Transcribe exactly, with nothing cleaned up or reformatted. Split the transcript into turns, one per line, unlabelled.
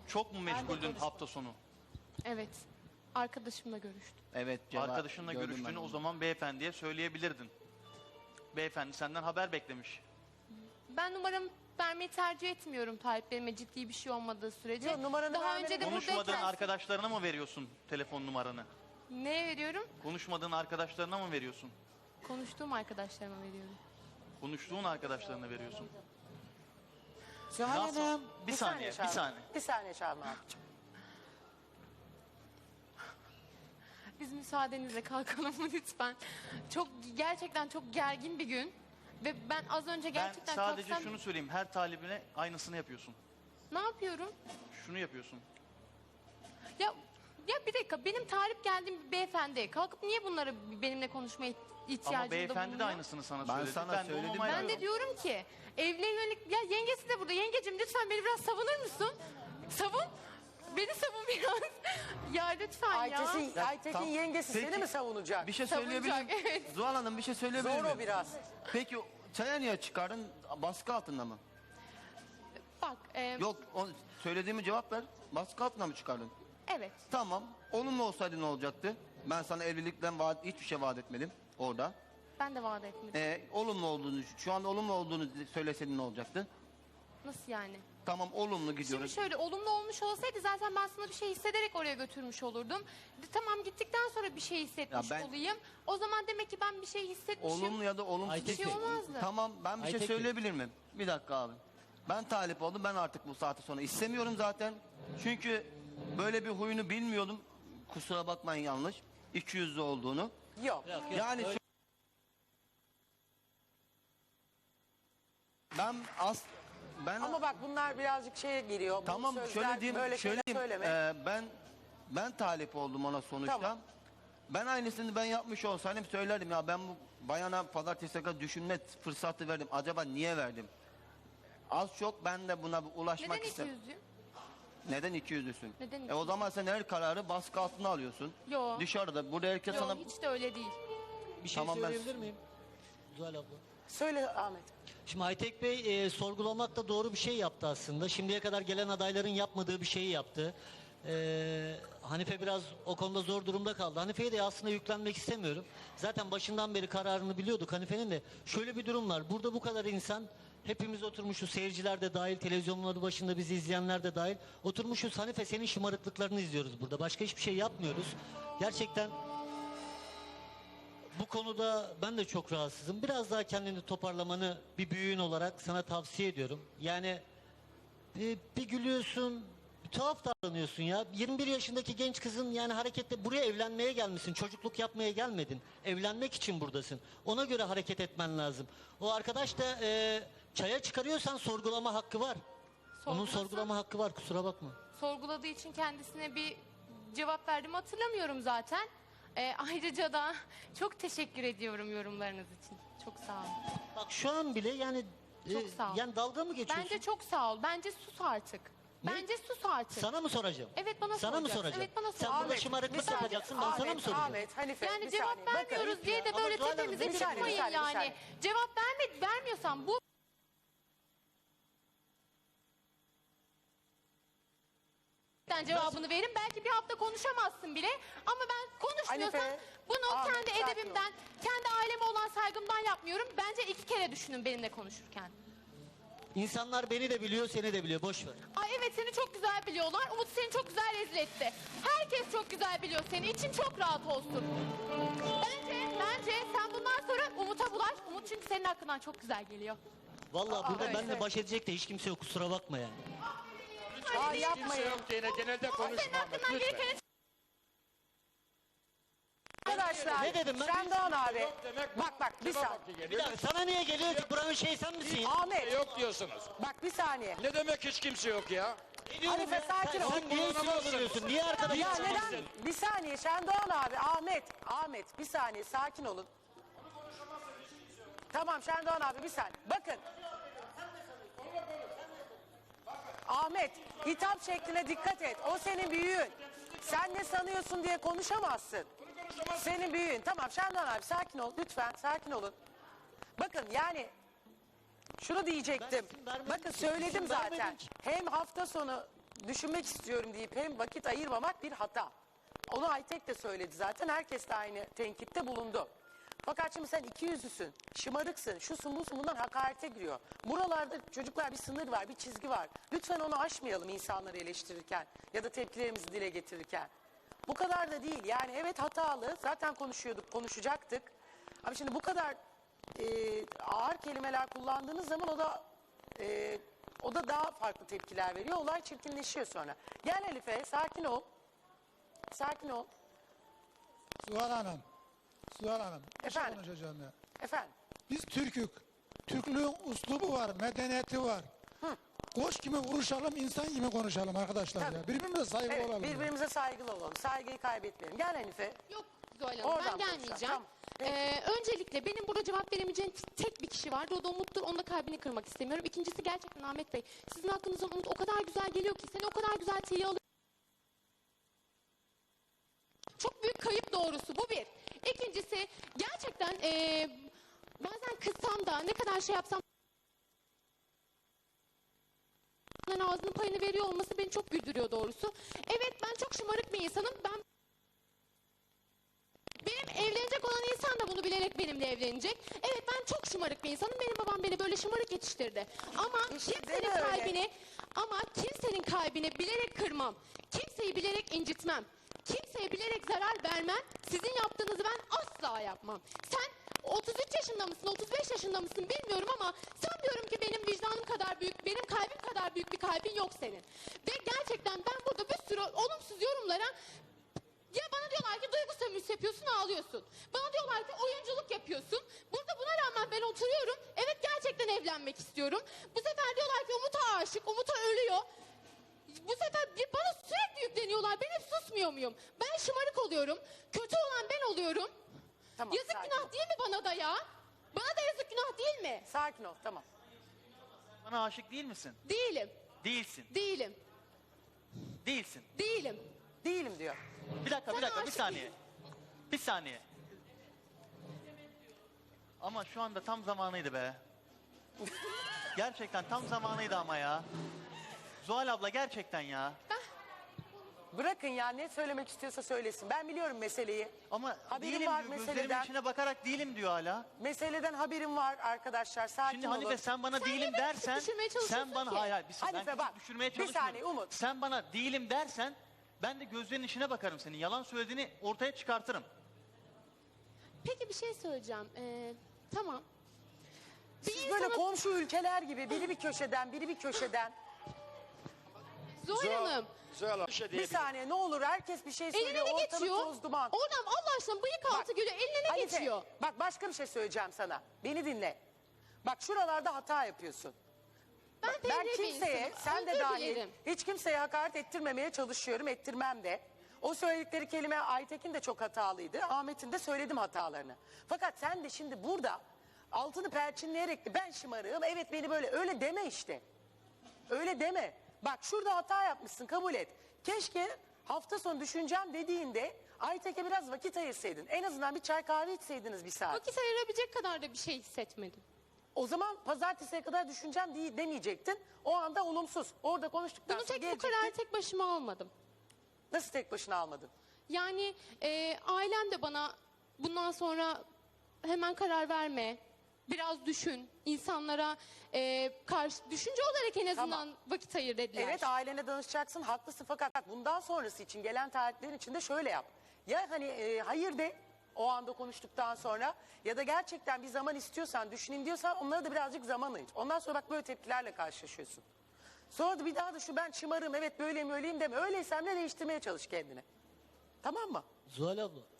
Çok mu meşguldün
konuştum.
hafta sonu?
Evet. Arkadaşımla görüştüm.
Evet. cevap-
Arkadaşınla
gördüm
görüştüğünü
ben
o
onu.
zaman beyefendiye söyleyebilirdin. Beyefendi senden haber beklemiş.
Ben numaramı vermeyi tercih etmiyorum taleplerime ciddi bir şey olmadığı sürece.
Yok, numaranı
Daha
vermene
önce de
Konuşmadığın
buradayken
arkadaşlarına mı veriyorsun telefon numaranı?
neye veriyorum?
Konuşmadığın arkadaşlarına mı veriyorsun?
Konuştuğum arkadaşlarıma veriyorum.
Konuştuğun arkadaşlarına veriyorsun.
Süheyl
Nasıl?
Hanım.
Bir saniye,
Şaban.
bir saniye.
Bir saniye Şaban abicim.
Biz müsaadenizle kalkalım mı lütfen? Çok gerçekten çok gergin bir gün. Ve ben az önce
Ben
gerçekten
sadece
kalksam
şunu söyleyeyim. Her talibine aynısını yapıyorsun.
ne yapıyorum?
Şunu yapıyorsun.
Ya ya bir dakika benim talip geldiğim bir beyefendi kalkıp niye bunları benimle konuşmaya ihtiyacında
Ama beyefendi de
bulunuyor?
aynısını sana
Ben
söyledi.
sana
ben de
söyledim.
onu
Ben
onaylıyorum.
de diyorum ki evle yönelik ya yengesi de burada. Yengecim lütfen beni biraz savunur musun? Savun. Beni savun biraz. Ya lütfen ya.
Aytekin, Aytekin
tam-
yengesi
Peki.
seni mi savunacak?
Bir şey
Savunacak,
söyleyebilir miyim?
evet.
Zuhal Hanım bir şey söyleyebilir
Zor
miyim?
o biraz.
Peki çaya niye çıkardın? Baskı altında mı?
Bak e,
Yok o, söylediğimi cevap ver. Baskı altında mı çıkardın?
evet.
Tamam. Olumlu olsaydı ne olacaktı? Ben sana evlilikten vaat, hiçbir şey vaat etmedim orada.
Ben de vaat etmedim.
Ee, olumlu olduğunu, şu anda olumlu olduğunu söyleseydin ne olacaktı?
Nasıl yani?
Tamam olumlu
Şimdi
gidiyoruz.
şöyle olumlu olmuş olsaydı zaten ben sana bir şey hissederek oraya götürmüş olurdum. De, tamam gittikten sonra bir şey hissetmiş
Ya ben-
olayım. O zaman demek ki ben bir şey hissetmişim.
Olumlu ya da olumsuz.
Bir şey olmazdı.
Tamam ben bir şey
Aytekin.
söyleyebilir miyim? Bir dakika abi. Ben talip oldum. Ben artık bu saate sonra istemiyorum zaten. Çünkü böyle bir huyunu bilmiyordum. Kusura bakmayın yanlış. İki yüzlü olduğunu.
Yok.
Yok, yok,
Yani
öyle-
ben as ben
Ama bak bunlar birazcık şeye giriyor. Bu
tamam
sözler,
şöyle diyeyim,
böyle
şöyle
şeyler
diyeyim.
söyleme.
Ee, ben ben talip oldum ona sonuçta.
Tamam.
Ben aynısını ben yapmış olsaydım söylerdim ya ben bu bayana pazartesi kadar düşünme fırsatı verdim. Acaba niye verdim? Az çok ben de buna bir ulaşmak
Neden iki
istedim.
yüzlüyüm?
Neden iki yüzlüsün?
Neden iki
E o zaman sen her kararı baskı altına alıyorsun.
Yo.
Dışarıda burada herkes
Yok
sana
hiç de öyle değil.
Bir şey
Tamam, ben-
söyleyebilir miyim? Zuhal abla.
Söyle Ahmet.
Şimdi Aytek Bey e, sorgulamakta doğru bir şey yaptı aslında. Şimdiye kadar gelen adayların yapmadığı bir şeyi yaptı. E, Hanife biraz o konuda zor durumda kaldı. Hanife'ye de aslında yüklenmek istemiyorum. Zaten başından beri kararını biliyorduk Hanife'nin de. Şöyle bir durum var. Burada bu kadar insan, hepimiz oturmuşuz, seyirciler de dahil, televizyonları başında bizi izleyenler de dahil. Oturmuşuz, Hanife senin şımarıklıklarını izliyoruz burada. Başka hiçbir şey yapmıyoruz. Gerçekten bu konuda ben de çok rahatsızım. Biraz daha kendini toparlamanı bir büyüğün olarak sana tavsiye ediyorum. Yani bir, bir gülüyorsun, bir tuhaf davranıyorsun ya. yirmi bir yaşındaki genç kızın yani harekette buraya evlenmeye gelmişsin. Çocukluk yapmaya gelmedin. Evlenmek için buradasın. Ona göre hareket etmen lazım. O arkadaş da e, çaya çıkarıyorsan sorgulama hakkı var. Onun
Sorgulasam-
sorgulama hakkı var, kusura bakma.
Sorguladığı için kendisine bir cevap verdim hatırlamıyorum zaten. Ee, ayrıca da çok teşekkür ediyorum yorumlarınız için. Çok sağ olun.
Bak şu an bile yani e,
Çok sağ ol.
yani dalga mı geçiyorsun?
Bence çok sağ ol. Bence sus artık.
Ne?
Bence sus artık.
Sana mı soracağım?
Evet, bana
Sana mı
soracaksın.
soracağım?
Evet, bana
Sen
soracaksın.
burada şımarıklık
bir saniye.
yapacaksın, ben sana mı
Ahmet,
soracağım?
Ahmet, Hanife
Yani
bir
cevap
saniye. Bakın,
vermiyoruz diye de
Ama
böyle
Zuhal Hanım,
tepemize
bir saniye,
çıkmayın
bir saniye, bir
yani.
saniye.
Cevap verme, vermiyorsan bu cevabını verin. Belki bir hafta konuşamazsın bile. Ama ben konuşmuyorsam
Hanife,
bunu
Ahmet,
kendi
sakin ol.
edebimden, kendi aileme olan saygımdan yapmıyorum. Bence iki kere düşünün benimle konuşurken.
İnsanlar beni de biliyor, seni de biliyor. Boş ver.
Ay evet seni çok güzel biliyorlar. Umut seni çok güzel rezil etti. Herkes çok güzel biliyor seni. İçin çok rahat olsun. Bence, bence sen bundan sonra Umut'a bulaş. Umut çünkü senin hakkından çok güzel geliyor.
Vallahi burada
öyle.
benimle baş edecek de hiç kimse yok. Kusura bakma yani.
Aa,
Kimse
yapmayın.
yok yine genelde
Senin
konuşma.
hakkından gelirken
Arkadaşlar.
Ne dedim ben?
Şendoğan abi.
Yok demek
Bak bak bir
kime
saniye.
vakti geliyor?
Bir dakika sana niye geliyor ki? Buranın şey sen misin ya?
Ahmet
Yok diyorsunuz.
bak bir saniye.
Ne demek hiç kimse yok ya?
Ne diyorum
Hanife,
ya?
sakin
sen,
ol.
sen niye üstüme vuruyorsun? Niye arkadaşım?
Ya
Tamam,
neden?
sen-
Bir saniye Şendoğan abi. Ahmet. Ahmet bir saniye sakin olun. Tamam Şendoğan abi bir saniye. Bakın. Ahmet hitap şekline dikkat et. O senin büyüğün. Sen ne sanıyorsun diye konuşamazsın. Senin büyüğün. Tamam Şendoğan abi sakin ol. Lütfen sakin olun. Bakın yani şunu diyecektim.
Ben isim vermedim
Bakın
ki,
söyledim
isim vermedim
zaten.
ki.
Hem hafta sonu düşünmek istiyorum deyip hem vakit ayırmamak bir hata. Onu Aytek de söyledi zaten. Herkes de aynı tenkitte bulundu. Fakat şimdi sen iki yüzlüsün, şımarıksın, şusun busun, bundan hakarete giriyor. Buralarda çocuklar bir sınır var, bir çizgi var. Lütfen onu aşmayalım insanları eleştirirken ya da tepkilerimizi dile getirirken. Bu kadar da değil. Yani evet hatalı, zaten konuşuyorduk, konuşacaktık. Ama şimdi bu kadar e, ağır kelimeler kullandığınız zaman o da e, o da daha farklı tepkiler veriyor. Olay çirkinleşiyor sonra. Gel Elife, sakin ol. Sakin ol.
Suhal Hanım, Suhal Hanım, bir şey
Efendim?
konuşacağım ya.
Efendim?
Biz Türk'ük. Türklüğün uslubu var, medeniyeti var. Koç gibi vuruşalım, insan gibi konuşalım arkadaşlar
Tabii.
ya. Birbirimize saygılı
Evet,
olalım. ya.
birbirimize saygılı olalım. Saygıyı kaybetmeyelim. Gel Hanife.
Yok Zuhal Hanım,
Oradan
ben
konuşalım,
gelmeyeceğim.
tamam. Peki.
Ee, öncelikle benim burada cevap veremeyeceğim tek bir kişi vardı. O da Umut'tur. Onun da kalbini kırmak istemiyorum. İkincisi gerçekten Ahmet Bey. Sizin hakkınızdan Umut o kadar güzel geliyor ki. Seni o kadar güzel tiye alıyor. Çok büyük kayıp doğrusu bu bir. İkincisi gerçekten ee, bazen kızsam da ne kadar şey yapsam ağzının payını veriyor olması beni çok güldürüyor doğrusu. Evet ben çok şımarık bir insanım. Ben benim evlenecek olan insan da bunu bilerek benimle evlenecek. Evet ben çok şımarık bir insanım. Benim babam beni böyle şımarık yetiştirdi. Ama
İşte
kimsenin
deme öyle.
kalbini ama kimsenin kalbini bilerek kırmam. Kimseyi bilerek incitmem. Kimseye bilerek zarar vermem. Sizin yaptığınızı ben asla yapmam. Sen otuz üç yaşında mısın, otuz beş yaşında mısın bilmiyorum ama sanmıyorum ki benim vicdanım kadar büyük, benim kalbim kadar büyük bir kalbin yok senin. Ve gerçekten ben burada bir sürü olumsuz yorumlara ya bana diyorlar ki duygu sömürüsü yapıyorsun ağlıyorsun. Bana diyorlar ki oyunculuk yapıyorsun. Burada buna rağmen ben oturuyorum. Evet gerçekten evlenmek istiyorum. Bu sefer diyorlar ki Umut'a aşık, Umut'a ölüyor. Bu sefer bir bana sürekli yükleniyorlar. Ben hep susmuyor muyum? Ben şımarık oluyorum. Kötü olan ben oluyorum.
Tamam,
yazık
sakin
günah
ol.
değil mi bana da ya? Bana da yazık günah değil mi?
Sakin ol, tamam.
Bana aşık değil misin?
Değilim.
Değilsin.
Değilim.
Değilsin.
Değilim.
Değilim diyor.
Bir dakika, bir
Sana
dakika, bir
aşık
saniye. Bir saniye. Ama şu anda tam zamanıydı be. Gerçekten tam zamanıydı ama ya. Zuhal abla gerçekten ya.
Bırakın ya, ne söylemek istiyorsa söylesin. Ben biliyorum meseleyi.
Ama
Haberim
değilim
var
diyor, gözlerimin
meseleden.
içine bakarak değilim diyor hala.
Meseleden haberim var arkadaşlar. Sakin
Şimdi
olun.
Hanife sen bana
Sen
değilim
niye beni
dersen,
küçük düşürmeye çalışıyorsun
sen bana
ki?
hayır, hayır bir saniye,
Hanife
ben
bak,
küçük düşürmeye
bir
çalışmıyorum.
saniye Umut.
Sen bana değilim dersen, ben de gözlerinin içine bakarım senin. Yalan söylediğini ortaya çıkartırım.
Peki bir şey söyleyeceğim. Ee, tamam. Bir
Siz böyle
insana-
komşu ülkeler gibi biri bir köşeden, biri bir köşeden.
Zuhal Hanım.
Zuhal Hanım, bir şey
Bir
diyebilirim.
saniye ne olur herkes bir şey
Eline
söylüyor.
ne
Ortalık
geçiyor?
toz duman.
Oradan Allah aşkına bıyık altı
Bak,
gülüyor. Eline ne
Hanife,
geçiyor?
bak başka bir şey söyleyeceğim sana. Beni dinle. Bak şuralarda hata yapıyorsun.
Ben,
Bak, ben
fevri bir
kimseye,
insanım.
sen de
Özür
dahil,
dilerim.
hiç kimseye hakaret ettirmemeye çalışıyorum, ettirmem de. O söyledikleri kelime Aytekin de çok hatalıydı. Ahmet'in de söyledim hatalarını. Fakat sen de şimdi burada altını perçinleyerek de ben şımarığım, evet beni böyle öyle deme işte. Öyle deme. Bak şurada hata yapmışsın, kabul et. Keşke hafta sonu düşüneceğim dediğinde Aytek'e biraz vakit ayırsaydın. En azından bir çay kahve içseydiniz bir saat.
Vakit ayırabilecek kadar da bir şey hissetmedim.
O zaman pazartesiye kadar düşüneceğim diye demeyecektin. O anda olumsuz. Orada konuştuktan
Bunu
sonra
tek bu
gelecektin.
kararı tek başıma almadım.
Nasıl tek başına almadın?
Yani e, ailem de bana bundan sonra hemen karar verme. Biraz düşün. İnsanlara e, karşı düşünce olarak en azından
Tamam.
vakit ayır dediler.
Evet ailene danışacaksın, haklısın fakat bundan sonrası için gelen tarihlerin içinde şöyle yap. Ya hani e, hayır de o anda konuştuktan sonra ya da gerçekten bir zaman istiyorsan, düşüneyim diyorsan onlara da birazcık zaman ayır. Ondan sonra bak böyle tepkilerle karşılaşıyorsun. Sonra da bir daha da şu ben şımarım, evet böyleyim öyleyim deme. Öyleysen de değiştirmeye çalış kendini. Tamam mı?
Zuhal abla